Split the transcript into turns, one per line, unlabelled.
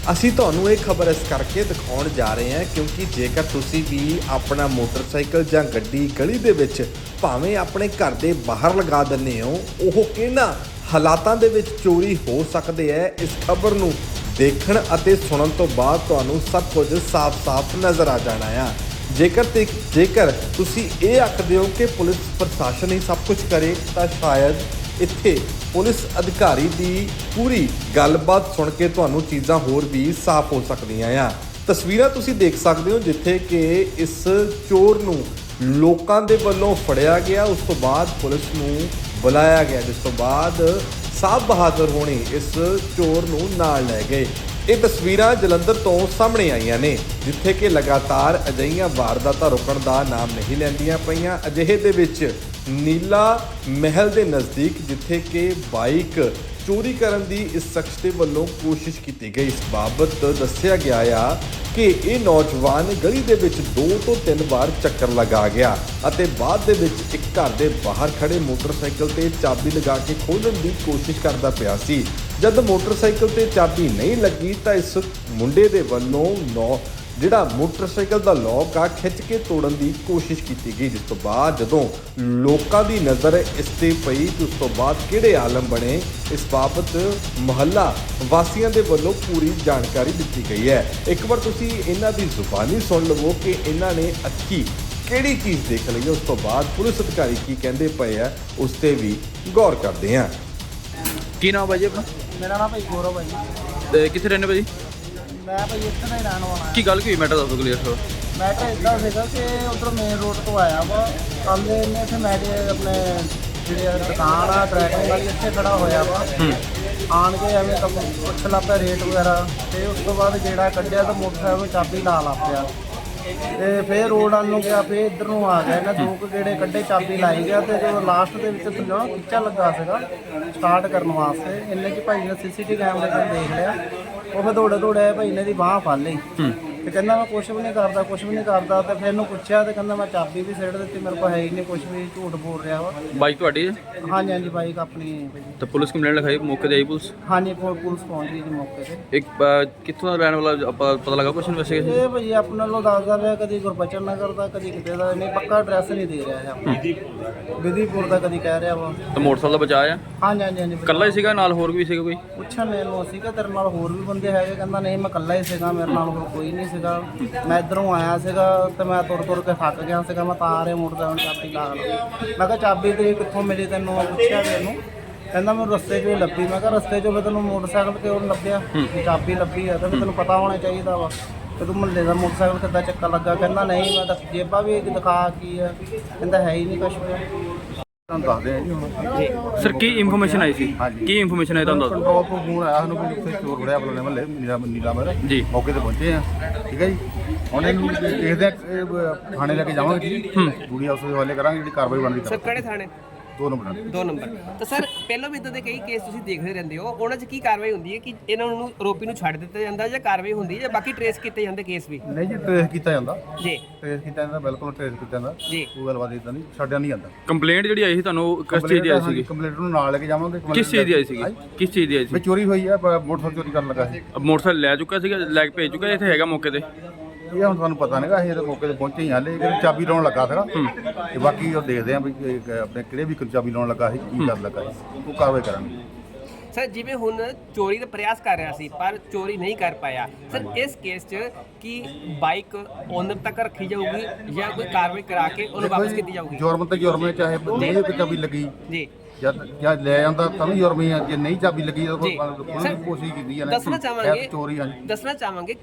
ਅਸੀਂ ਤੁਹਾਨੂੰ ਇਹ ਖਬਰ ਇਸ ਕਰਕੇ ਦਿਖਾਉਣ ਜਾ ਰਹੇ ਹਾਂ ਕਿਉਂਕਿ ਜੇਕਰ ਤੁਸੀਂ ਵੀ ਆਪਣਾ ਮੋਟਰਸਾਈਕਲ ਜਾਂ ਗੱਡੀ ਗਲੀ ਦੇ ਵਿੱਚ ਭਾਵੇਂ ਆਪਣੇ ਘਰ ਦੇ ਬਾਹਰ ਲਗਾ ਦਿੰਦੇ ਹੋ, ਉਹ ਕਿਹਨਾਂ ਹਾਲਾਤਾਂ ਦੇ ਵਿੱਚ ਚੋਰੀ ਹੋ ਸਕਦੇ ਹੈ, ਇਸ ਖਬਰ ਨੂੰ ਦੇਖਣ ਅਤੇ ਸੁਣਨ ਤੋਂ ਬਾਅਦ ਤੁਹਾਨੂੰ ਸਭ ਕੁਝ ਸਾਫ਼-ਸਾਫ਼ ਨਜ਼ਰ ਆ ਜਾਣਾ ਆ। ਜੇਕਰ ਤੁਸੀਂ ਇਹ ਆਖਦੇ ਹੋ ਕਿ ਪੁਲਿਸ ਪ੍ਰਸ਼ਾਸਨ ਹੀ ਸਭ ਕੁਝ ਕਰੇ ਤਾਂ ਸ਼ਾਇਦ ਇੱਥੇ ਪੁਲਿਸ ਅਧਿਕਾਰੀ ਦੀ ਪੂਰੀ ਗੱਲਬਾਤ ਸੁਣ ਕੇ ਤੁਹਾਨੂੰ ਚੀਜ਼ਾਂ ਹੋਰ ਵੀ ਸਾਫ਼ ਹੋ ਸਕਦੀਆਂ ਆ। ਤਸਵੀਰਾਂ ਤੁਸੀਂ ਦੇਖ ਸਕਦੇ ਹੋ ਜਿੱਥੇ ਕਿ ਇਸ ਚੋਰ ਨੂੰ ਲੋਕਾਂ ਦੇ ਵੱਲੋਂ ਫੜਿਆ ਗਿਆ, ਉਸ ਤੋਂ ਬਾਅਦ ਪੁਲਿਸ ਨੂੰ ਬੁਲਾਇਆ ਗਿਆ, ਜਿਸ ਤੋਂ ਬਾਅਦ ਸਾਹਿਬ ਬਹਾਦਰ ਹੋਣੀ ਇਸ ਚੋਰ ਨੂੰ ਨਾਲ ਲੈ ਗਏ। ਇਹ ਤਸਵੀਰਾਂ ਜਲੰਧਰ ਤੋਂ ਸਾਹਮਣੇ ਆਈਆਂ ਨੇ ਜਿੱਥੇ ਕਿ ਲਗਾਤਾਰ ਅਜਿਹੀਆਂ ਵਾਰਦਾਤਾਂ ਰੁਕਣ ਦਾ ਨਾਮ ਨਹੀਂ ਲੈਂਦੀਆਂ ਪਈਆਂ। ਅਜਿਹੇ ਦੇ ਵਿੱਚ ਨੀਲਾ ਮਹਿਲ ਦੇ ਨਜ਼ਦੀਕ ਜਿੱਥੇ ਕਿ ਬਾਈਕ ਚੋਰੀ ਕਰਨ ਦੀ ਇਸ ਸ਼ਖਸ ਦੇ ਵੱਲੋਂ ਕੋਸ਼ਿਸ਼ ਕੀਤੀ ਗਈ। ਇਸ ਬਾਬਤ ਦੱਸਿਆ ਗਿਆ ਆ ਕਿ ਇਹ ਨੌਜਵਾਨ ਗਲੀ ਦੇ ਵਿੱਚ 2 ਤੋਂ 3 ਵਾਰ ਚੱਕਰ ਲਗਾ ਗਿਆ ਅਤੇ ਬਾਅਦ ਦੇ ਵਿੱਚ ਇੱਕ ਘਰ ਦੇ ਬਾਹਰ ਖੜੇ ਮੋਟਰਸਾਈਕਲ ਤੇ ਚਾਬੀ ਲਗਾ ਕੇ ਖੋਲ੍ਹਣ ਦੀ ਕੋਸ਼ਿਸ਼ ਕਰਦਾ ਪਿਆ ਸੀ। ਜਦ ਮੋਟਰਸਾਈਕਲ ਤੇ ਚਾਬੀ ਨਹੀਂ ਲੱਗੀ ਤਾਂ ਇਸ ਮੁੰਡੇ ਦੇ ਵੱਲੋਂ ਜਿਹੜਾ ਮੋਟਰਸਾਈਕਲ ਦਾ ਲੌਕ ਆ ਖਿੱਚ ਕੇ ਤੋੜਨ ਦੀ ਕੋਸ਼ਿਸ਼ ਕੀਤੀ ਗਈ, ਜਿਸ ਤੋਂ ਬਾਅਦ ਜਦੋਂ ਲੋਕਾਂ ਦੀ ਨਜ਼ਰ ਇਸ ਤੇ ਪਈ ਉਸ ਤੋਂ ਬਾਅਦ ਕਿਹੜੇ ਆਲਮ ਬਣੇ, ਇਸ ਬਾਬਤ ਮੁਹੱਲਾ ਵਾਸੀਆਂ ਦੇ ਵੱਲੋਂ ਪੂਰੀ ਜਾਣਕਾਰੀ ਦਿੱਤੀ ਗਈ ਹੈ। ਇੱਕ ਵਾਰ ਤੁਸੀਂ ਇਹਨਾਂ ਦੀ ਜ਼ੁਬਾਨੀ ਸੁਣ ਲਵੋ ਕਿ ਇਹਨਾਂ ਨੇ ਅੱਖੀ ਕਿਹੜੀ ਚੀਜ਼ ਦੇਖ ਲਈ, ਉਸ ਤੋਂ ਬਾਅਦ ਪੁਲਿਸ ਅਧਿਕਾਰੀ ਕੀ ਕਹਿੰਦੇ ਪਏ ਆ ਉਸ ਤੇ ਵੀ ਗੌਰ ਕਰਦੇ ਹਾਂ।
ਕੀ ਨਾਮ ਭਾਜੀ ਆਪਣਾ?
ਮੇਰਾ ਨਾਮ ਭਾਈ ਗੌਰਵ ਹੈ ਜੀ।
ਤੇ ਕਿੱਥੇ ਰਹਿੰਦੇ ਭਾਜੀ?
ਮੈਂ ਭਾਈ ਇੱਥੇ ਦਾ ਹੀ ਰਹਿਣ ਵਾਲਾ
ਕੀ ਗੱਲ ਕੀ ਹੋਈ? ਮੈਟਰ ਦੱਸੋ ਕਲੀਅਰ ਕਰੋ।
ਮੈਟਰ ਇੱਦਾਂ ਸੀਗਾ ਕਿ ਉੱਧਰ ਮੇਨ ਰੋਡ ਤੋਂ ਆਇਆ ਵਾ ਕੱਲ੍ਹ ਇਹਨੇ ਇੱਥੇ ਆਪਣੇ ਜਿਹੜੇ ਦੁਕਾਨ ਆ ਟਰੈਕਿੰਗ ਵਾਲੀ ਇੱਥੇ ਖੜਾ ਹੋਇਆ ਵਾ। ਆਣ ਕੇ ਐਵੇਂ ਤਾਂ ਪੁੱਛ ਲਾ ਪਿਆ ਰੇਟ ਵਗੈਰਾ, ਤੇ ਉਸ ਤੋਂ ਬਾਅਦ ਜਿਹੜਾ ਕੱਢਿਆ ਤਾਂ ਮੋਟਰਸਾਈਕਲ ਨੂੰ ਚਾਬੀ ਲਾ ਪਿਆ ਤੇ ਫਿਰ ਰੋਡ ਵੱਲ ਨੂੰ ਗਿਆ, ਫਿਰ ਇੱਧਰ ਨੂੰ ਆ ਗਿਆ। ਇਹਨਾਂ 2 ਗੇੜੇ ਕੱਢੇ, ਚਾਬੀ ਲਾਈ ਗਿਆ ਤੇ ਜਦੋਂ ਲਾਸਟ ਦੇ ਵਿੱਚ ਥੱਲੇ ਖਿੱਚਾ ਲੱਗਾ ਸੀਗਾ ਸਟਾਰਟ ਕਰਨ ਵਾਸਤੇ, ਇੰਨੇ 'ਚ ਭਾਈ ਨੇ CCTV ਕੈਮਰੇ 'ਤੇ ਦੇਖ ਲਿਆ। ਉਹ ਫਿਰ ਦੌੜੇ ਭਾਈ ਨੇ ਦੀ ਬਾਂਹ ਫੜ ਲਈ ਤੇ ਕਹਿੰਦਾ ਮੈਂ ਕੁਛ ਵੀ ਨਹੀਂ ਕਰਦਾ ਤੇ ਫਿਰ ਇਹਨੂੰ ਪੁੱਛਿਆ ਤੇ ਕਹਿੰਦਾ ਮੈਂ ਚਾਬੀ ਵੀ ਸਿੱਟ ਦਿੱਤੀ, ਮੇਰੇ ਕੋਲ ਹੈ ਹੀ ਨਹੀਂ ਕੁਛ ਵੀ, ਝੂਠ ਬੋਲ ਰਿਹਾ ਵਾ।
ਬਾਈਕ ਤੁਹਾਡੀ ਹੈ?
ਹਾਂਜੀ ਬਾਈਕ ਆਪਣੀ।
ਤੇ ਪੁਲਿਸ ਕੰਪਲੇਂਟ ਲਿਖਾਈ, ਮੌਕੇ ਤੇ ਆਈ ਪੁਲਿਸ?
ਹਾਂਜੀ ਪੁਲਿਸ ਪਹੁੰਚ ਗਈ ਜੀ ਮੌਕੇ ਤੇ।
ਇੱਕ ਕਿੱਥੋਂ ਦਾ ਰਹਿਣ ਵਾਲਾ ਪਤਾ ਲੱਗਾ ਕੁਛ ਇਨਵੈਸਟੀਗੇਸ਼ਨ?
ਇਹ ਭਾਈ ਆਪਣੇ ਨਾਲੋਂ ਦੱਸਦਾ ਪਿਆ, ਕਦੀ ਗੁਰਬਚਨ ਨਗਰ ਦਾ, ਕਦੀ ਕਿਤੇ ਦਾ, ਨਹੀਂ ਪੱਕਾ ਐਡਰੈਸ ਨਹੀਂ ਦੇ ਰਿਹਾ ਹੈ ਆਪਣਾ। ਵਿਧੀਪੁਰ ਦਾ ਕਦੀ ਕਹਿ ਰਿਹਾ ਵਾ।
ਤੇ ਮੋਟਰਸਾਈਕਲ ਦਾ ਬਚਾਅ ਆ?
ਹਾਂਜੀ
ਇਕੱਲਾ ਹੀ ਸੀਗਾ ਨਾਲ ਹੋਰ ਵੀ ਸੀਗਾ ਕੋਈ?
ਪੁੱਛਣ ਮੈਨੂੰ ਸੀਗਾ ਤੇਰੇ ਨਾਲ ਹੋਰ ਵੀ ਬੰਦੇ ਹੈਗੇ, ਕਹਿੰਦਾ ਨਹੀਂ ਮੈਂ ਇਕੱਲਾ ਹੀ ਸੀਗਾ, ਮੇਰੇ ਨਾਲ ਹੋਰ ਕੋਈ ਨਹੀਂ ਸੀਗਾ, ਮੈਂ ਇੱਧਰੋਂ ਆਇਆ ਸੀਗਾ ਤੇ ਮੈਂ ਤੁਰ ਕੇ ਥੱਕ ਗਿਆ ਸੀਗਾ, ਮੈਂ ਤਾਂ ਆ ਰਿਹਾ ਮੋਟਰਸਾਈਕਲ ਚਾਬੀ ਲਾ ਲਈ। ਮੈਂ ਕਿਹਾ ਚਾਬੀ ਤੇ ਕਿੱਥੋਂ ਮਿਲੀ ਤੈਨੂੰ? ਪੁੱਛਿਆ ਮੈਨੂੰ, ਕਹਿੰਦਾ ਮੈਨੂੰ ਰਸਤੇ 'ਚੋਂ ਲੱਭੀ। ਮੈਂ ਕਿਹਾ ਰਸਤੇ 'ਚੋਂ ਫਿਰ ਤੈਨੂੰ ਮੋਟਰਸਾਈਕਲ ਕਿਉਂ ਲੱਭਿਆ? ਚਾਬੀ ਲੱਭੀ ਆ ਤਾਂ ਫਿਰ ਤੈਨੂੰ ਪਤਾ ਹੋਣਾ ਚਾਹੀਦਾ ਵਾ ਕਿ ਤੂੰ ਮੁਹੱਲੇ ਦਾ ਮੋਟਰਸਾਈਕਲ ਕਿੱਦਾਂ ਚੱਕਰ ਲੱਗਾ। ਕਹਿੰਦਾ ਨਹੀਂ ਮੈਂ ਤਾਂ ਜੇਬਾਂ ਵੀ ਦਿਖਾ ਕੀ ਆ, ਕਹਿੰਦਾ ਹੈ ਹੀ ਨਹੀਂ ਕੁਛ ਵੀ।
ਤੁਹਾਨੂੰ ਦੱਸਦੇ ਆ ਜੀ ਹੁਣ।
ਸਰ ਕੀ ਇਨਫੋਰਮੇਸ਼ਨ ਆਈ ਸੀ?
ਹਾਂਜੀ।
ਕੀ ਇਨਫੋਰਮੇਸ਼ਨ ਆਈ ਤੁਹਾਨੂੰ?
ਕੰਟਰੋਲ ਤੋਂ ਫੋਨ ਆਇਆ ਸਾਨੂੰ ਵੀ ਉੱਥੇ ਚੋਰ ਫੜਿਆ ਬਲੋਲੇ ਮਹੱਲੇ ਨੀਲਾ ਮਹਿਲ
ਜੀ।
ਮੌਕੇ ਤੇ ਪਹੁੰਚੇ ਆ, ਠੀਕ ਹੈ ਜੀ। ਹੁਣ ਇਹਨੂੰ ਦੇਖਦੇ ਆ, ਥਾਣੇ ਲੈ ਕੇ ਜਾਵਾਂਗੇ ਜੀ, ਪੂਰੀ ਹਾਊਸ ਦੇ ਹਵਾਲੇ ਕਰਾਂਗੇ, ਜਿਹੜੀ ਕਾਰਵਾਈ ਬਣਦੀ
ਸਰ ਕਿਹੜੇ ਥਾਣੇ?
2 ਨੰਬਰ
2 ਨੰਬਰ। ਤਾਂ ਸਰ ਪਹਿਲਾਂ ਵੀ ਇਦਾਂ ਦੇ ਕਈ ਕੇਸ ਤੁਸੀਂ ਦੇਖਦੇ ਰਹਿੰਦੇ ਹੋ, ਉਹਨਾਂ 'ਚ ਕੀ ਕਾਰਵਾਈ ਹੁੰਦੀ ਹੈ ਕਿ ਇਹਨਾਂ ਨੂੰ ਆਰੋਪੀ ਨੂੰ ਛੱਡ ਦਿੱਤਾ ਜਾਂਦਾ ਜਾਂ ਕਾਰਵਾਈ ਹੁੰਦੀ ਹੈ ਜਾਂ ਬਾਕੀ ਟਰੇਸ ਕੀਤੇ ਜਾਂਦੇ ਕੇਸ ਵੀ?
ਨਹੀਂ ਜੀ, ਟ੍ਰੇਸ ਕੀਤਾ ਜਾਂਦਾ,
ਜੀ
ਟ੍ਰੇਸ ਕੀਤਾ ਜਾਂਦਾ, ਬਿਲਕੁਲ ਟ੍ਰੇਸ ਕੀਤਾ ਜਾਂਦਾ
ਜੀ।
ਕੋਈ ਗੱਲਬਾਤ ਇਦਾਂ ਨਹੀਂ, ਛੱਡਿਆ ਨਹੀਂ ਜਾਂਦਾ।
ਕੰਪਲੇਂਟ ਜਿਹੜੀ ਆਈ ਸੀ ਤੁਹਾਨੂੰ ਕਿਸ ਚੀਜ਼ ਦੀ ਆਈ ਸੀਗੀ?
ਕੰਪਲੇਂਟ ਨੂੰ ਨਾਲ ਲੈ ਕੇ ਜਾਵਾਂਗੇ।
ਕਿਸ ਚੀਜ਼ ਦੀ ਆਈ ਸੀਗੀ? ਕਿਸ ਚੀਜ਼ ਦੀ ਆਈ
ਵੀ
ਸੀ?
ਚੋਰੀ ਹੋਈ ਆ, ਮੋਟਰਸਾਈਕਲ ਚੋਰੀ ਕਰਨ ਲੱਗਾ ਸੀ।
ਮੋਟਰਸਾਈਕਲ ਲੈ ਚੁੱਕਾ ਸੀਗਾ, ਲੈ ਕੇ ਭੇਜ ਚੁੱਕਾ, ਇੱਥੇ ਹੈਗਾ ਮੌਕੇ ਤੇ?
ਇਹ ਹੁਣ ਤੁਹਾਨੂੰ ਪਤਾ ਨਹੀਂਗਾ, ਅਸੀਂ ਤਾਂ ਮੌਕੇ ਤੇ ਪਹੁੰਚੇ ਹੀ ਹਾਲੇ, ਕਿ ਚਾਬੀ ਲਾਉਣ ਲੱਗਾ ਸੀਗਾ ਤੇ ਬਾਕੀ ਉਹ ਦੇਖਦੇ ਆ ਵੀ ਆਪਣੇ ਕਿਹੜੇ ਵੀ ਚਾਬੀ ਲਾਉਣ ਲੱਗਾ ਸੀ, ਕੀ ਕਰਨ ਲੱਗਾ ਸੀ, ਉਹ ਕਾਰਵਾਈ ਕਰਾਂਗੇ।
ਸਰ ਜਿਵੇਂ ਹੁਣ ਚੋਰੀ ਦਾ ਪ੍ਰਯਾਸ ਕਰ ਰਿਹਾ ਸੀ ਪਰ ਚੋਰੀ ਨਹੀਂ ਕਰ ਪਾਇਆ, ਸਰ ਇਸ ਕੇਸ 'ਚ ਕੀ ਬਾਈਕ ਓਨਰ ਤੱਕ ਰੱਖੀ ਜਾਊਗੀ ਜਾਂ ਕੋਈ ਕਾਰਵਾਈ ਕਰਾ ਕੇ ਉਹਨੂੰ ਵਾਪਸ ਕੀਤੀ ਜਾਊਗੀ?
ਜੁਰਮ ਤੇ ਜੁਰਮ ਹੈ, ਚਾਹੇ ਨਹੀਂ ਕੋਈ ਚਾਬੀ ਲੱਗੀ
ਜੀ
ਜਦ ਲੈ ਜਾਂਦਾ ਤਾਂ ਵੀ ਜੁਰਮ ਹੀ ਆ, ਜੇ ਨਹੀਂ ਚਾਬੀ ਲੱਗੀ ਤਾਂ
ਜੀ।
ਕੋਈ ਕੋਸ਼ਿਸ਼ ਕੀਤੀ ਆ ਨਾ
ਦੱਸਣਾ ਚਾਹਾਂਗੇ
ਚੋਰੀ ਆ।
ਦੱਸਣਾ ਚਾਹਾਂਗੇ